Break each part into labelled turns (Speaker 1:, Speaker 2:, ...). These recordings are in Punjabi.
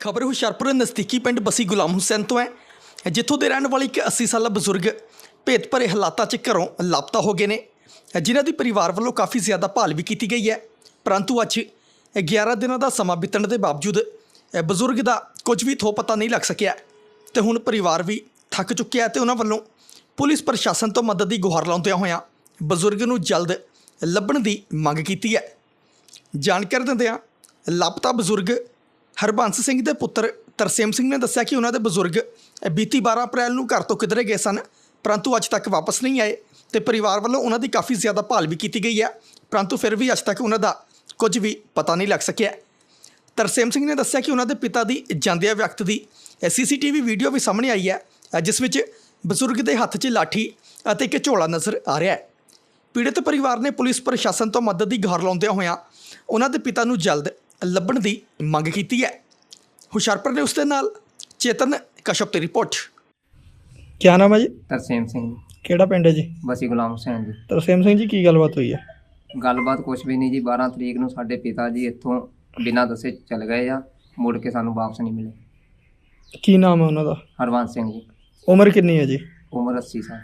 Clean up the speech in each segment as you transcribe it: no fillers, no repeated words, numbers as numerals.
Speaker 1: खबर हुशियारपुर नज़दीकी पिंड बसी गुलाम हुसैन तो है, जिथों के रहने वाले एक 80 साला बजुर्ग भेत भरे हालातों च घरों लापता हो गए ने, जिन्हां दी परिवार वालों काफ़ी ज़्यादा भाल भी की गई है। परंतु अज 11 दिनों का समा बीतण के बावजूद बजुर्ग का कुछ भी थो पता नहीं लग सकिया तो हुण परिवार भी थक चुक्या है। तो उन्होंने वालों पुलिस प्रशासन तो मदद की गुहार लाउंदियां होइयां बजुर्ग नूं जल्द लभण की मंग की है। जानकारी दिंदियां लापता बजुर्ग हरबंस सिंह के पुत्र तरसेम सिंह ने दस्सिया कि उन्होंने बजुर्ग बीती 12 अप्रैल को घर तो किधरे गए सन, परंतु अज तक वापस नहीं आए। तो परिवार वालों उन्होंने काफ़ी ज़्यादा भाल भी की गई है, परंतु फिर भी अज तक उन्होंने कुछ भी पता नहीं लग सकिया। तरसेम सिंह ने दस्सिया कि उन्होंने पिता की जांदिया व्यक्त की CCTV वीडियो भी सामने आई है, जिस विच बजुर्ग के हत्थ 'च लाठी और एक झोला नज़र आ रहा है। पीड़ित परिवार ने पुलिस प्रशासन तो मदद की गुहार लाउंदियां होइयां उन्होंने पिता नूं जल्द ਲੱਭਣ ਦੀ ਮੰਗ ਕੀਤੀ ਹੈ। ਹੁਸ਼ਿਆਰਪੁਰ ਨੇ ਉਸ ਦੇ ਨਾਲ ਚੇਤਨ ਕਸ਼ਪ ਦੀ ਰਿਪੋਰਟ। ਕੀ ਨਾਮ ਹੈ ਜੀ?
Speaker 2: ਤਰਸੇਮ ਸਿੰਘ।
Speaker 1: ਕਿਹੜਾ ਪਿੰਡ ਹੈ ਜੀ?
Speaker 2: ਬਸੀ ਗੁਲਾਮ ਹੁਸੈਨ ਜੀ।
Speaker 1: ਤਰਸੇਮ ਸਿੰਘ ਜੀ, ਕੀ ਗੱਲਬਾਤ ਹੋਈ ਹੈ?
Speaker 2: ਗੱਲਬਾਤ ਕੁਛ ਵੀ ਨਹੀਂ ਜੀ। 12 ਤਰੀਕ ਨੂੰ ਸਾਡੇ ਪਿਤਾ ਜੀ ਇੱਥੋਂ ਬਿਨਾਂ ਦੱਸੇ ਚਲ ਗਏ ਆ, ਮੁੜ ਕੇ ਸਾਨੂੰ ਵਾਪਸ ਨਹੀਂ ਮਿਲੇ।
Speaker 1: ਕੀ ਨਾਮ ਹੈ ਉਹਨਾਂ ਦਾ?
Speaker 2: ਹਰਬੰਸ ਸਿੰਘ ਜੀ।
Speaker 1: ਉਮਰ ਕਿੰਨੀ ਹੈ ਜੀ?
Speaker 2: ਉਮਰ 80 ਸਾਲ।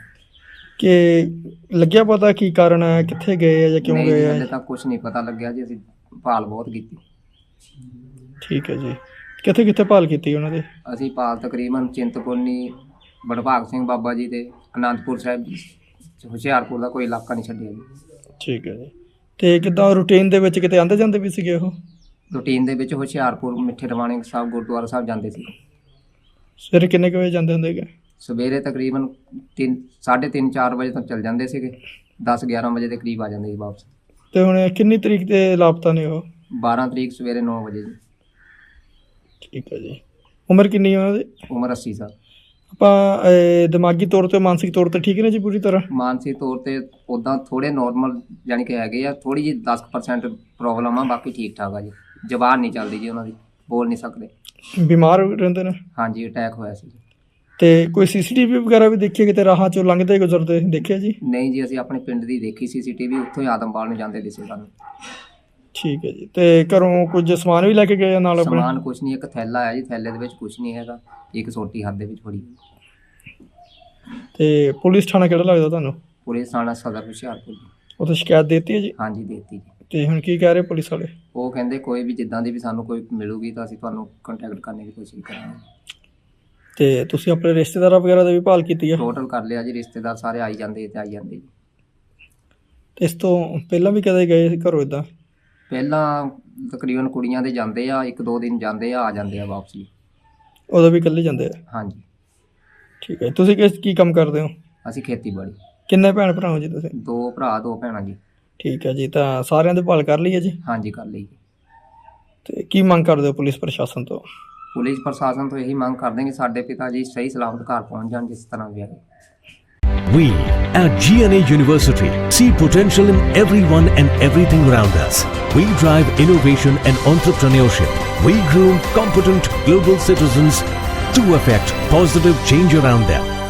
Speaker 1: ਕਿ ਲੱਗਿਆ ਪਤਾ ਕੀ ਕਾਰਨ ਹੈ, ਕਿੱਥੇ ਗਏ ਆ ਜਾਂ ਕਿਉਂ ਗਏ ਆ?
Speaker 2: ਹਲੇ ਤੱਕ ਕੁਛ ਨਹੀਂ ਪਤਾ ਲੱਗਿਆ ਜੀ। ਅਸੀਂ ਭਾਲ ਬਹੁਤ ਕੀਤੀ।
Speaker 1: ਠੀਕ ਹੈ ਜੀ। ਕਿੱਥੇ ਕਿੱਥੇ ਭਾਲ ਕੀਤੀ ਉਹਨਾਂ ਦੇ?
Speaker 2: ਅਸੀਂ ਭਾਲ ਤਕਰੀਬਨ ਚਿੰਤਪੁਰਨੀ, ਬੜਭਾਗ ਸਿੰਘ ਬਾਬਾ ਜੀ ਦੇ ਅਨੰਦਪੁਰ ਸਾਹਿਬ ਜੀ, ਹੁਸ਼ਿਆਰਪੁਰ ਦਾ ਕੋਈ ਇਲਾਕਾ ਨਹੀਂ ਛੱਡਿਆ ਜੀ। ਠੀਕ ਹੈ ਜੀ। ਤੇ ਕਿੱਦਾਂ ਰੂਟੀਨ ਦੇ ਵਿੱਚ ਕਿਤੇ ਆਉਂਦੇ ਜਾਂਦੇ ਵੀ ਸੀਗੇ ਉਹ? ਰੂਟੀਨ ਦੇ ਵਿੱਚ ਹੁਸ਼ਿਆਰਪੁਰ ਮਿੱਠੇ ਰਵਾਣੇ ਸਾਹਿਬ ਗੁਰਦੁਆਰਾ ਸਾਹਿਬ ਜਾਂਦੇ ਸੀ। ਸਵੇਰੇ ਕਿੰਨੇ ਕੁ ਵਜੇ ਜਾਂਦੇ ਹੁੰਦੇ ਹੈਗੇ? ਸਵੇਰੇ ਤਕਰੀਬਨ 3:30 4 ਵਜੇ ਤੱਕ ਚੱਲ ਜਾਂਦੇ ਸੀਗੇ, 10-11 ਵਜੇ ਦੇ ਕਰੀਬ ਆ ਜਾਂਦੇ ਸੀ ਵਾਪਸ। ਤੇ ਹੁਣ ਕਿੰਨੀ ਤਰੀਕ ਤੇ ਲਾਪਤਾ ਨੇ ਉਹ? 12 ਤਰੀਕ ਸਵੇਰੇ 9 ਵਜੇ ਜੀ। ਠੀਕ ਹੈ ਜੀ। ਉਮਰ ਕਿੰਨੀ ਹੈ ਉਹਨਾਂ ਦੀ? ਉਮਰ 80 ਸਾਲ। ਆਪਾਂ ਦਿਮਾਗੀ ਤੌਰ ਤੇ ਮਾਨਸਿਕ ਤੌਰ ਤੇ ਠੀਕ ਨੇ ਜੀ ਪੂਰੀ ਤਰ੍ਹਾਂ? ਮਾਨਸਿਕ ਤੌਰ ਤੇ ਉੱਦਾਂ ਥੋੜੇ ਨੋਰਮਲ ਯਾਨੀ ਕਿ ਹੈਗੇ ਆ, ਥੋੜੀ ਜਿਹੀ 10% ਪ੍ਰੋਬਲਮ ਆ, ਬਾਕੀ ਠੀਕ ਠਾਕ ਆ ਜੀ। ਜ਼ਬਾਨ ਨਹੀਂ ਚੱਲਦੀ ਜੀ ਉਹਨਾਂ ਦੀ, ਬੋਲ ਨਹੀਂ ਸਕਦੇ। ਬਿਮਾਰ ਰਹਿੰਦੇ ਨੇ? ਹਾਂਜੀ, ਅਟੈਕ ਹੋਇਆ ਸੀ। ਤੇ ਕੋਈ CCTV ਵਗੈਰਾ ਵੀ ਦੇਖੀ ਕਿਤੇ ਰਾਹਾਂ ਚੋਂ ਲੰਘਦੇ ਗੁਜ਼ਰਦੇ ਦੇਖਿਆ ਜੀ? ਨਹੀਂ ਜੀ, ਅਸੀਂ ਆਪਣੇ ਪਿੰਡ ਦੀ ਦੇਖੀ CCTV, ਉੱਥੋਂ ਹੀ ਆਦਮਪਾਲ ਨੂੰ ਜਾਂਦੇ ਦਿਸੇ ਸਾਨੂੰ। ਠੀਕ ਹੈ ਜੀ। ਤੇ ਘਰੋਂ ਕੁਝ ਸਮਾਨ ਵੀ ਲੈ ਕੇ ਗਏ ਨਾਲ? ਆਪਣੇ ਸਮਾਨ ਕੁਝ ਨਹੀਂ, ਇੱਕ ਥੈਲਾ ਹੈ ਜੀ, ਥੈਲੇ ਦੇ ਵਿੱਚ ਕੁਝ ਨਹੀਂ ਹੈਗਾ, ਇੱਕ ਛੋਟੀ ਹੱਥ ਦੇ ਵਿੱਚ ਫੜੀ। ਤੇ ਪੁਲਿਸ ਥਾਣਾ ਕਿਹੜਾ ਲੱਗਦਾ ਤੁਹਾਨੂੰ? ਪੁਲਿਸ ਥਾਣਾ ਸਦਰ ਹੁਸ਼ਿਆਰਪੁਰ। ਉੱਥੇ ਸ਼ਿਕਾਇਤ ਦੇਤੀ ਹੈ ਜੀ? ਹਾਂਜੀ ਦੇਤੀ ਜੀ। ਤੇ ਹੁਣ ਕੀ ਕਹਿ ਰਹੇ ਪੁਲਿਸ ਵਾਲੇ? ਉਹ ਕਹਿੰਦੇ ਕੋਈ ਵੀ ਜਿੱਦਾਂ ਦੀ ਵੀ ਸਾਨੂੰ ਕੋਈ ਮਿਲੂਗੀ ਤਾਂ ਅਸੀਂ ਤੁਹਾਨੂੰ ਕੰਟੈਕਟ ਕਰਨ ਦੀ ਕੋਸ਼ਿਸ਼ ਕਰਾਂਗੇ। ਤੇ ਤੁਸੀਂ ਆਪਣੇ ਰਿਸ਼ਤੇਦਾਰਾਂ ਵਗੈਰਾ ਦੀ ਵੀ ਭਾਲ ਕੀਤੀ ਹੈ? ਟੋਟਲ ਕਰ ਲਿਆ ਜੀ, ਰਿਸ਼ਤੇਦਾਰ ਸਾਰੇ ਆਈ ਜਾਂਦੇ ਤੇ ਆਈ ਜਾਂਦੇ ਜੀ। ਤੇ ਇਸ ਤੋਂ ਪਹਿਲਾਂ ਵੀ ਕਦੇ ਗਏ ਘਰੋਂ ਇੱਦਾਂ? ਪਹਿਲਾਂ ਤਕਰੀਬਨ ਕੁੜੀਆਂ ਦੇ ਜਾਂਦੇ ਆ, 1-2 ਦਿਨ ਜਾਂਦੇ ਆ ਜਾਂਦੇ ਆ ਵਾਪਸ ਜੀ। ਉਦੋਂ ਵੀ ਇਕੱਲੇ ਜਾਂਦੇ ਆ? ਹਾਂਜੀ। ਠੀਕ ਹੈ। ਤੁਸੀਂ ਕੀ ਕੰਮ ਕਰਦੇ ਹੋ? ਅਸੀਂ ਖੇਤੀਬਾੜੀ। ਕਿੰਨੇ ਭੈਣ ਭਰਾ ਹੋ ਜੀ ਤੁਸੀਂ? 2 ਭਰਾ 2 ਭੈਣਾਂ ਜੀ। ਠੀਕ ਹੈ ਜੀ। ਤਾਂ ਸਾਰਿਆਂ ਦੀ ਭਾਲ ਕਰ ਲਈ ਹੈ ਜੀ? ਹਾਂਜੀ ਕਰ ਲਈ ਜੀ। ਤੇ ਕੀ ਮੰਗ ਕਰਦੇ ਹੋ ਪੁਲਿਸ ਪ੍ਰਸ਼ਾਸਨ ਤੋਂ? ਪੁਲਿਸ ਪ੍ਰਸ਼ਾਸਨ ਤੋਂ ਇਹੀ ਮੰਗ ਕਰਦੇ ਕਿ ਸਾਡੇ ਪਿਤਾ ਜੀ ਸਹੀ ਸਲਾਮਤ ਘਰ ਪਹੁੰਚ ਜਾਣ, ਜਿਸ ਤਰ੍ਹਾਂ ਵੀ ਆਏ।
Speaker 3: We at GNA University see potential in everyone and everything around us. We drive innovation and entrepreneurship. We groom competent global citizens to affect positive change around them.